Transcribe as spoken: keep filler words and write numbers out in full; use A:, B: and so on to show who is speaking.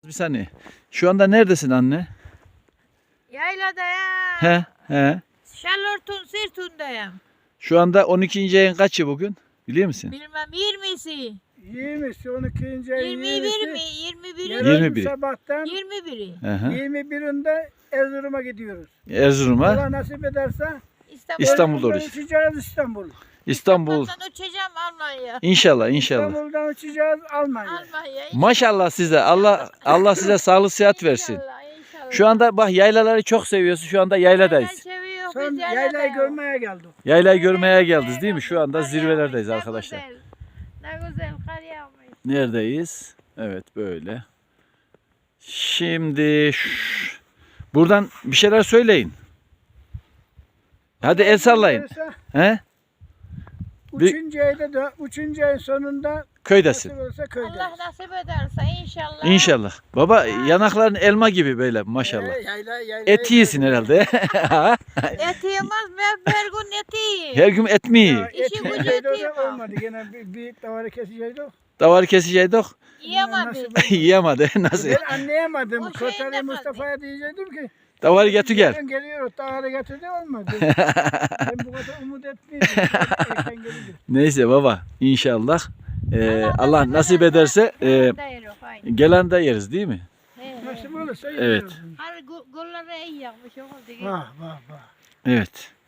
A: Bir saniye. Şu anda neredesin anne?
B: Yaylada ya.
A: He he.
B: Şalortun sırtındayım.
A: Şu anda on ikinci ayın kaçı bugün? Biliyor musun?
B: Bilmem yirmisi.
C: yirmisi, on ikinci ay
B: Yirmi bir mi? Yirmi biri.
C: Yarın
A: Yirmi biri.
C: sabahtan
B: Yirmi biri.
A: Hı hı.
C: yirmi birinde Erzurum'a gidiyoruz.
A: Erzurum'a,
C: Allah nasip ederse
B: İstanbul.
A: İstanbul'da
C: Erzurum'dan
A: orası.
C: uçacağız İstanbul.
A: İstanbul.
B: İstanbul'dan uçacağım Almanya.
A: İnşallah inşallah.
C: İstanbul'dan uçacağız Almanya.
B: Almanya.
A: Maşallah size. Allah Allah size sağlık sıhhat versin.
B: İnşallah, inşallah.
A: Şu anda bak yaylaları çok seviyorsun. Şu anda yayladayız.
B: seviyor,
C: Son
B: biz
C: yaylayı
B: yayladayız.
C: görmeye geldik.
A: Yaylayı görmeye geldiniz değil mi? Şu anda
B: Kar
A: zirvelerdeyiz
B: yağmış,
A: arkadaşlar.
B: Ne güzel, ne güzel kar yağmış.
A: Neredeyiz? Evet böyle. Şimdi şş, buradan bir şeyler söyleyin. Hadi el sallayın. He?
C: Üçüncü ayda da, üçüncü ayın sonunda
A: Köydesin.
C: nasip olursa köydeyiz.
B: Allah nasip ederse inşallah.
A: İnşallah. Baba yanakların elma gibi böyle maşallah.
C: Ee, yayla, yayla,
A: Et yiyorsun herhalde.
B: Et yemez mi? Her gün et yiyin.
A: Her gün et mi
C: Ya,
A: yiyor?
C: et
B: İşi gücü
C: yiyeceğiz, o da
B: eteyim ha.
C: olmadı. Gene bir, bir davarı keseceğiz o.
A: Davar kesecektik.
B: Yiyemedi.
A: Yiyemedi. Nasıl?
C: Ben anlayamadım.
B: O şeyin
C: Kotari
B: de
C: Mustafa'ya diyecektim ki
A: Davarı getir gel.
C: yarın geliyor, davarı getirdi olmadı. Ben bu kadar umut etmiyordum. Erken gelince.
A: Neyse baba inşallah. Ee,
B: Allah
A: Allah nasip ederse e,
B: Değiyor, aynen.
A: gelen de yeriz değil mi?
B: He, he.
C: Nasip olursa
A: Evet.
C: yiyoruz.
B: Hani gol- golları iyi yapmış. o oldu.
C: Vah vah vah.
A: Evet.